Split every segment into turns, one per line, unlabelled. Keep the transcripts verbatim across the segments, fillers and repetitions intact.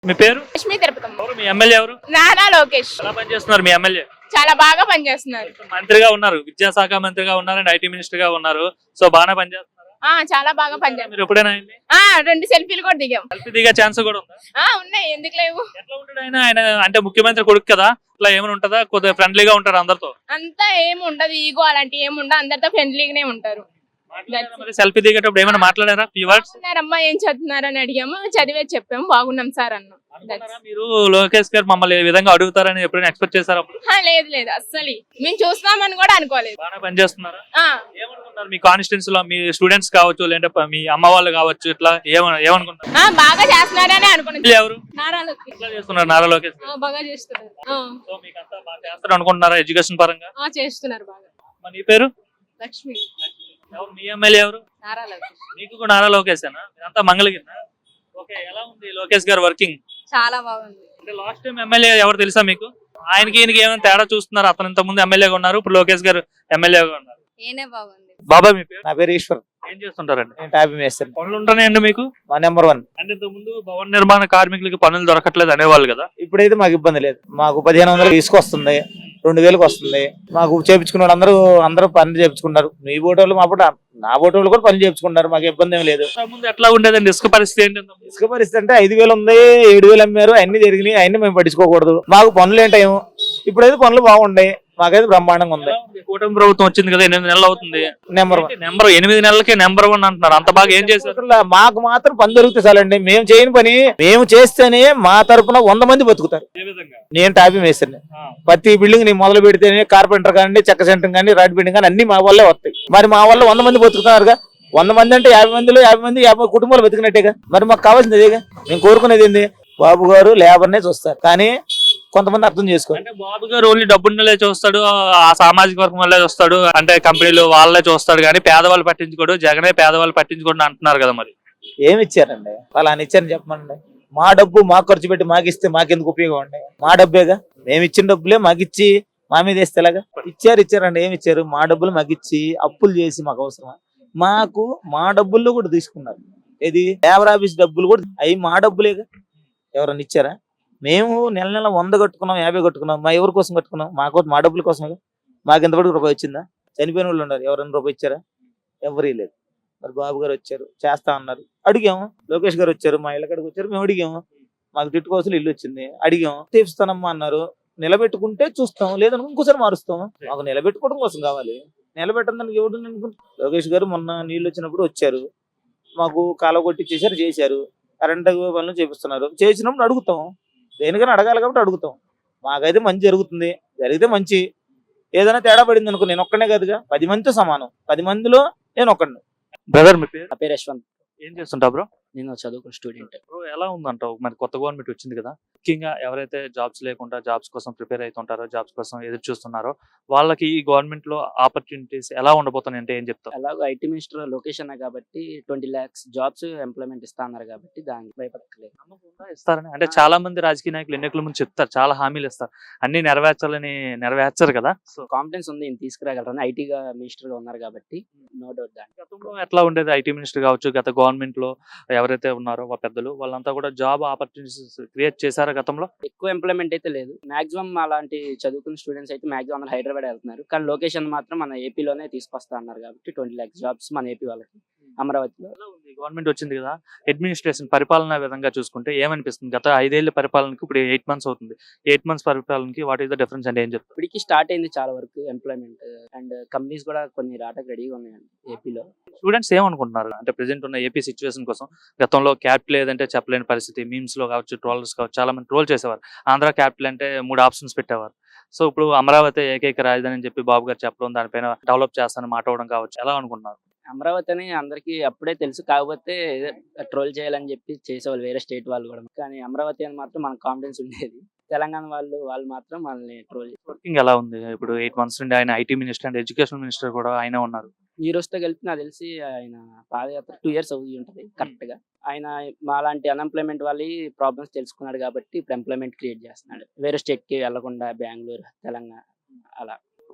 మీ పేరు?
లక్ష్మీ తిరుపతమ్మ.
ఎవరు మీ ఎమ్మెల్యే ఎవరు?
నారా లోకేష్.
ఎలా పనిచేస్తున్నారు మీ ఎమ్మెల్యే?
చాలా బాగా పనిచేస్తున్నారు.
మంత్రిగా ఉన్నారు, విద్యాశాఖ మంత్రిగా ఉన్నారు అండ్ ఐటీ మినిస్టర్ గా ఉన్నారు. సో బాగానే పనిచేస్తున్నారు.
ఆ చాలా బాగా పనిచేస్తున్నారు.
మీరు ఎప్పుడైనా ఆయన్ని
ఆ రెండు సెల్ఫీలు కూడా దిగాం.
సెల్ఫీ దిగే ఛాన్స్ కూడా ఉందా?
ఆ ఉన్నాయి, ఎందుకు లేవు.
ఎట్లా ఉంటాడు ఆయన? ఆయన అంటే ముఖ్యమంత్రి కొడుకు కదా, ఇట్లా ఏమైనా ఉంటుందా? కొద్దిగా ఫ్రెండ్లీగా ఉంటారు అందరితో?
అంతా ఏమి ఉండదు, ఈగో అలాంటి ఏమి ఉండదు, అందరితో ఫ్రెండ్లీగానే ఉంటారు.
సెల్ఫీ దిగేటప్పుడు ఏమైనా మాట్లాడారా? ఫ్యూ వర్డ్స్
అమ్మా ఏం చదువుతున్నారని అడిగాము, చదివే చెప్పాము, బాగున్నాం సార్ అన్నాం.
మీరు లోకేష్ గారు మమ్మల్ని ఈ విధంగా అడుగుతారని ఎప్పుడైనా ఎక్స్పెక్ట్ చేశారా?
లేదు లేదు, అస్సలు మేము చూస్తామని కూడా అనుకోలేదు.
బాగా పనిచేస్తున్నారా?
ఆ
ఏమనుకుంటారు మీ కాన్స్టిట్యూన్సీ లో? మీ స్టూడెంట్స్ కావచ్చు, లేదంటే మీ అమ్మ వాళ్ళు కావచ్చు, ఇట్లా ఏమను ఏమనుకుంటారు?
ఆ బాగా చేస్తున్నారని అనుకున్నాను.
ఎవరు
నారా లోకేష్.
ఎట్లా చేస్తున్నారు నారా లోకేష్ గారు?
బాగా చేస్తున్నారు.
సో మీకు అంతా బాగా చేస్తారు అనుకుంటున్నారా ఎడ్యుకేషన్ పరంగా?
చేస్తున్నారు బాగా.
మరి నీ పేరు?
లక్ష్మి.
ఎవరు మీ ఎమ్మెల్యే ఎవరు?
నారా లోకేష్.
నీకు కూడా నారా లోకేషేనా? మీరంతా మంగళగిరినా? ఓకే, ఎలా ఉంది లోకేష్ గారు వర్కింగ్?
చాలా బాగుంది.
అంటే లాస్ట్ టైం ఎమ్మెల్యే ఎవరు తెలుసా మీకు? ఆయనకి ఈయనకి ఏమైనా తేడా చూస్తున్నారు? అతను ఇంత ముందు ఎమ్మెల్యేగా ఉన్నారు, ఇప్పుడు లోకేష్ గారు ఎమ్మెల్యేగా ఉన్నారు.
ఏనే బాగుంది.
బాబా మీ పేరు?
నా పేరు ఈశ్వర్.
ఏం చేస్తుంటారండి?
నేను టాపీ మేస్తాను.
పనులు ఉంటున్నాయండి మీకు?
మా నెంబర్ వన్.
అంటే ఇంత ముందు భవన నిర్మాణ కార్మికులకి పనులు దొరకట్లేదు అనేవాళ్ళు కదా.
ఇప్పుడైతే మాకు ఇబ్బంది లేదు. మాకు పదిహేను వందలు తీసుకొస్తుంది, రెండు వేలకు వస్తుంది. మాకు చేపించుకున్న వాళ్ళు అందరూ అందరూ పనులు చేపించుకున్నారు. మీ బోటోళ్ళు మా పూట నా బోటోళ్ళు కూడా పనులు చేపించుకున్నారు. మాకు ఇబ్బంది ఏం లేదు.
ముందు ఎట్లా ఉండేదండి ఇసుక పరిస్థితి ఏంటి?
ఇసుక పరిస్థితి అంటే ఐదు వేలు ఉంది, ఏడు వేలు అమ్మారు, అన్ని జరిగినాయి. అన్ని మేము పట్టించుకోకూడదు. మాకు పనులు ఏంటేమో. ఇప్పుడైతే పనులు బాగుంటాయి, మాకైతే బ్రహ్మాండంగా ఉంది.
కూటమి ప్రభుత్వం వచ్చింది కదా, ఎనిమిది నెలలు అవుతుంది.
Number one.
నెంబర్ ఎనిమిది నెలలకే నెంబర్ వన్ అంటున్నారు. అంత బాగా ఏం చేశారు?
మాకు మాత్రం పని దొరికితే చాలండి. మేము చేయని పని మేము చేస్తేనే మా తరపున వంద మంది బతుకుతారు. నేను టాపీ మేస్తాను. ప్రతి బిల్డింగ్ నీ మొదలు పెడితేనే కార్పెంటర్ కానీ, చెక్క సెంటర్ కానీ, రాడ్ బిల్డింగ్ కానీ అన్ని మా వల్లే వస్తాయి. మరి మా వల్ల వంద మంది బతుకుతున్నారుగా. వంద మంది అంటే యాభై మందిలో యాభై మంది యాభై కుటుంబాలు బతికినట్టేగా. మరి మాకు కావాల్సింది అదేగా. మేము కోరుకునేది ఏంది? బాబు గారు లేబర్నే చూస్తారు, కానీ కొంతమంది అర్థం చేసుకో.
అంటే బాబు గారు ఓన్లీ డబ్బున్నలే చూస్తాడు, ఆ సామాజిక వర్గం వల్లే చూస్తాడు, అంటే కంపెనీలు వాళ్ళే చూస్తాడు, కానీ పేదవాళ్ళు పట్టించుకోడు. జగనే పేదవాళ్ళు పట్టించుకోండి అంటున్నారు కదా. మరి
ఏమి ఇచ్చారండి? వాళ్ళని ఇచ్చారని చెప్పమండి. మా డబ్బు మాకు ఖర్చు పెట్టి మాకు ఇస్తే మాకెందుకు ఉపయోగం అండి? మా డబ్బేగా. మేము ఇచ్చిన డబ్బులే మాకు ఇచ్చి మా మీద వేస్తే ఎలాగా? ఇచ్చారు ఇచ్చారండి. ఏమి ఇచ్చారు? మా డబ్బులు మాకు ఇచ్చి అప్పులు చేసి మాకు అవసరమా? మాకు మా డబ్బుల్లో కూడా తీసుకున్నారు. ఏది లేబర్ ఆఫీస్ డబ్బులు కూడా అవి మా డబ్బులేగా. ఎవరన్నా ఇచ్చారా? మేము నెల నెల వంద కట్టుకున్నాం, యాభై కట్టుకున్నాం. మా ఎవరి కోసం కట్టుకున్నాం? మాకు మా డబ్బుల కోసమే. మాకు ఎంతవరకు రూపాయి వచ్చిందా? చనిపోయిన వాళ్ళు ఉన్నారు, ఎవరైనా రూపాయి ఇచ్చారా? ఎవరీ లేదు. మరి బాబు గారు వచ్చారు, చేస్తా అన్నారు, అడిగాము. లోకేష్ గారు వచ్చారు, మా ఇళ్ళ కాడికి వచ్చారు, మేము అడిగాము. మాకు తిట్టుకోవాల్సిన ఇల్లు వచ్చింది, అడిగాము. తీపిస్తానమ్మా అన్నారు. నిలబెట్టుకుంటే చూస్తాం, లేదనుకో ఇంకోసారి మారుస్తాం. మాకు నిలబెట్టుకోవడం కోసం కావాలి, నిలబెట్టడానికి ఎవడు అనుకుంటా. లోకేష్ గారు మొన్న నీళ్ళు వచ్చినప్పుడు వచ్చారు, మాకు కాల కొట్టి చేశారు, చేశారు. కరెంట్ పనులు చేపిస్తున్నారు, చేసినప్పుడు అడుగుతాం. దేనికైనా అడగాలి కాబట్టి అడుగుతాం. మాకైతే మంచి జరుగుతుంది, జరిగితే మంచి. ఏదైనా తేడా పడింది అనుకో, నేను ఒక్కనే కాదుగా, పది మందితో సమానం. పది మందిలో నేను ఒక్కడిని.
బ్రదర్ మీ పేరు?
నా పేరు యశ్వంత్.
ఏం చేస్తుంటా బ్రో?
నేను చదువుకున్న స్టూడెంట్.
బ్రో ఎలా ఉందంటావు? మరి కొత్త గవర్నమెంట్ వచ్చింది కదా, ముఖ్యంగా ఎవరైతే జాబ్స్ లేకుండా జాబ్స్ కోసం ప్రిపేర్ అవుతుంటారో, జాబ్స్ కోసం ఎదురు చూస్తున్నారో, వాళ్ళకి ఈ గవర్నమెంట్ లో ఆపర్చునిటీస్ ఎలా ఉండబోతున్నాయి అంటే ఏం చెప్తావు?
అలాగే ఐటీ మినిస్టర్ లొకేషన్ కాబట్టి ట్వంటీ లాక్స్ జాబ్స్ ఎంప్లాయ్మెంట్ ఇస్తా అన్నారు కాబట్టి దానికి భయపడలేదు.
నమ్మకంగా ఇస్తారని అంటే చాలా మంది రాజకీయ నాయకులు ఎన్నికల ముందు చెప్తారు, చాలా హామీలు ఇస్తారు, అన్ని నెరవేర్చాలని నెరవేర్చారు కదా. సో
కాన్ఫిడెన్స్ ఉంది ఈయన తీసుకురాగలరని. ఐటీగా మినిస్టర్ గా ఉన్నారు కాబట్టి నో డౌట్. దానికి
గతంలో ఎట్లా ఉండేది? ఐటీ మినిస్టర్ కావచ్చు, గత గవర్నమెంట్ లో ఎవరైతే ఉన్నారో ఆ పెద్దలు వాళ్ళంతా కూడా జాబ్ ఆపర్చునిటీస్ క్రియేట్ చేశారు గతంలో.
ఎక్కువ ఎంప్లాయ్మెంట్ అయితే లేదు. మాక్సిమం అలాంటి చదువుకున్న స్టూడెంట్స్ అయితే మాక్సిమం అందరూ హైదరాబాద్ వెళ్తున్నారు, కానీ లొకేషన్ మాత్రం మన ఏపీలోనే తీసుకొస్తా అన్నారు కాబట్టి ట్వంటీ లాక్స్ జాబ్స్ మన ఏపీ వాళ్ళకి అమరావతిలో.
గవర్నమెంట్ వచ్చింది కదా, అడ్మినిస్ట్రేషన్ పరిపాలన విధంగా చూసుకుంటే ఏమనిపిస్తుంది? గత ఐదేళ్ల పరిపాలనకి ఇప్పుడు ఎయిట్ మంత్స్ అవుతుంది. ఎయిట్ మంత్స్ పరిపాలనకి వాట్ ఈస్ ద డిఫరెన్స్ అంటే ఏం చెప్తారు?
ఇప్పటికి స్టార్ట్ అయింది చాలా వరకు ఎంప్లాయ్మెంట్, అండ్ కంపెనీస్ కూడా కొన్ని రావడానికి రెడీగా ఉన్నాయండి ఏపీలో.
స్టూడెంట్స్ ఏమనుకుంటున్నారు అంటే ప్రెసెంట్ ఉన్న ఏపీ సిచ్యువేషన్ కోసం? గతంలో క్యాపిటల్ లేదంటే చెప్పలేని పరిస్థితి, మీమ్స్ లో కావచ్చు, ట్రోలర్స్ కావచ్చు, చాలా మంది ట్రోల్ చేసేవారు. ఆంధ్ర క్యాపిటల్ అంటే మూడు ఆప్షన్స్ పెట్టేవారు. సో ఇప్పుడు అమరావతి ఏకైక రాజధాని అని చెప్పి బాబు గారు చెప్పడం, దానిపైన డెవలప్ చేస్తానని మాట్లాడడం కావచ్చు, ఎలా అనుకుంటున్నారు?
అమరావతి అని అందరికి అప్పుడే తెలుసు, కాకపోతే ట్రోల్ చేయాలని చెప్పి చేసేవాళ్ళు వేరే స్టేట్ వాళ్ళు కూడా. కానీ అమరావతి అని మాత్రం మనకు కాన్ఫిడెన్స్ ఉండేది. తెలంగాణ వాళ్ళు వాళ్ళు మాత్రం మనల్ని ట్రోల్ చేస్తారు.
వర్కింగ్ ఎలా ఉంది? ఇప్పుడు ఎయిట్ మంత్స్ నుండి ఆయన IT minister and education minister కూడా ఆయన ఉన్నారు.
ఈ రోజుతో కలిపి నాకు తెలిసి ఆయన పాదయాత్ర టూ ఇయర్స్ అవుతుంది ఉంటుంది కరెక్ట్ గా. ఆయన మా లాంటి అన్ఎంప్లాయ్మెంట్ వాళ్ళ ప్రాబ్లమ్స్ తెలుసుకున్నాడు కాబట్టి ఇప్పుడు ఎంప్లాయ్మెంట్ క్రియేట్ చేస్తున్నాడు. వేరే స్టేట్ కి వెళ్లకుండా బెంగళూరు, తెలంగాణ అలా.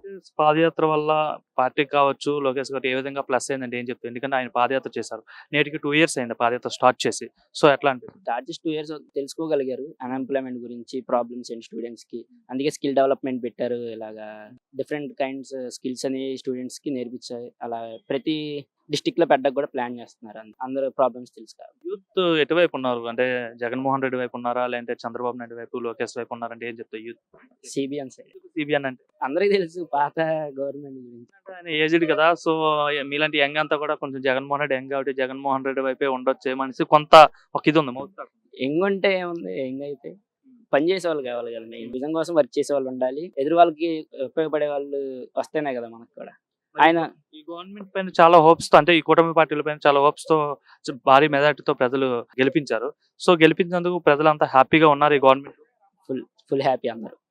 పాదయాత్ర వల్ల పార్టీకి కావచ్చు, లోకేష్ గారికి ఏ విధంగా ప్లస్ అయిందంటే ఏం చెప్తారు? ఎందుకంటే ఆయన పాదయాత్ర చేశారు. నేటికి టూ ఇయర్స్ అయింది పాదయాత్ర స్టార్ట్ చేసి. సో ఎట్లా అనిపిస్తుంది?
స్టార్ట్ టూ ఇయర్స్ తెలుసుకోగలిగారు అన్ఎంప్లాయ్మెంట్ గురించి, ప్రాబ్లమ్స్ ఏంటి స్టూడెంట్స్ కి. అందుకే స్కిల్ డెవలప్మెంట్ పెట్టారు. ఇలాగా డిఫరెంట్ కైండ్స్ స్కిల్స్ అని స్టూడెంట్స్ కి నేర్పించారు. అలా ప్రతి డిస్టిక్ లో పెట్టడానికి కూడా ప్లాన్ చేస్తున్నారు. అంద- అందరూ ప్రాబ్లమ్స్ తెలుసు కాబట్టి.
యూత్ ఎటువైపు ఉన్నారు? అంటే జగన్మోహన్ రెడ్డి వైపు ఉన్నారా, లేదంటే చంద్రబాబు నాయుడు వైపు, లోకేష్ వైపు ఉన్నారంటే ఏం చెప్తారు యూత్?
సిబిఎన్ సైడ్
సిబిఎన్ అంటే
అందరికీ తెలుసు పాత గవర్నమెంట్ గురించి.
అంటే ఆయన ఏజ్డ్ కదా, సో మీలాంటి యంగ్ అంతా కూడా కొంచెం జగన్మోహన్ రెడ్డి యంగ్ కాబట్టి జగన్మోహన్ రెడ్డి వైపే ఉండొచ్చే మనిషి కొంత ఒక ఇది ఉంది మౌత్ టాక్.
యంగ్ ఉంటే ఏముంది, యంగ్ అయితే పని చేసే వాళ్ళు కావాలి కదండి. విజన్ కోసం వర్క్ చేసే వాళ్ళు ఉండాలి. ఎదురు వాళ్ళకి ఉపయోగపడే వాళ్ళు వస్తేనే కదా మనకు కూడా. ఆయన
ఈ గవర్నమెంట్ పైన చాలా హోప్స్ తో, అంటే ఈ కూటమి పార్టీల పైన చాలా హోప్స్ తో చ- భారీ మెజార్టీతో ప్రజలు గెలిపించారు. సో గెలిపించినందుకు ప్రజలంతా హ్యాపీగా ఉన్నారు ఈ గవర్నమెంట్.
ఫుల్ ఫుల్ హ్యాపీ అందరూ.